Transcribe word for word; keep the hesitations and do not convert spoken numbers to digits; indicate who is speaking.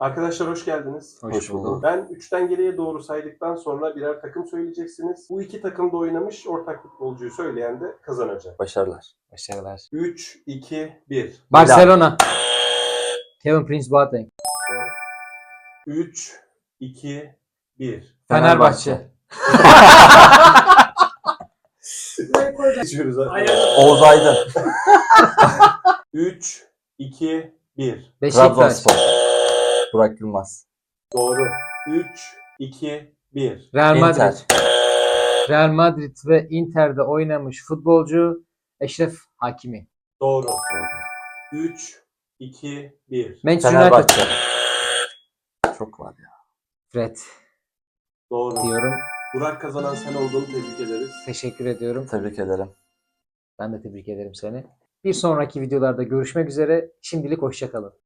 Speaker 1: Arkadaşlar hoş geldiniz.
Speaker 2: Hoş,
Speaker 3: Hoş
Speaker 2: bulduk.
Speaker 3: bulduk.
Speaker 1: Ben üçten geriye doğru saydıktan sonra birer takım söyleyeceksiniz. Bu iki takımda oynamış ortak futbolcuyu söyleyen de kazanacak.
Speaker 3: Başarılar.
Speaker 2: Başarılar.
Speaker 1: üç, iki, bir.
Speaker 2: Barcelona. Kevin Prince Boateng.
Speaker 1: üç, iki, bir.
Speaker 2: Fenerbahçe.
Speaker 1: Geçiyoruz.
Speaker 3: Oğuz Aydın.
Speaker 1: üç, iki, bir.
Speaker 2: Beşiktaş.
Speaker 3: Trabzonspor. Burak Yılmaz.
Speaker 1: Doğru. üç, iki, bir.
Speaker 2: Real Madrid.
Speaker 3: Inter.
Speaker 2: Real Madrid ve Inter'de oynamış futbolcu Eşref Hakimi.
Speaker 1: Doğru. üç, iki, bir.
Speaker 2: Manchester United.
Speaker 3: Fenerbahçe. Çok var ya.
Speaker 2: Fred
Speaker 1: Doğru.
Speaker 2: diyorum.
Speaker 1: Burak kazanan sen olduğunu tebrik ederiz.
Speaker 2: Teşekkür ediyorum.
Speaker 3: Tebrik ederim.
Speaker 2: Ben de tebrik ederim seni. Bir sonraki videolarda görüşmek üzere. Şimdilik hoşça kalın.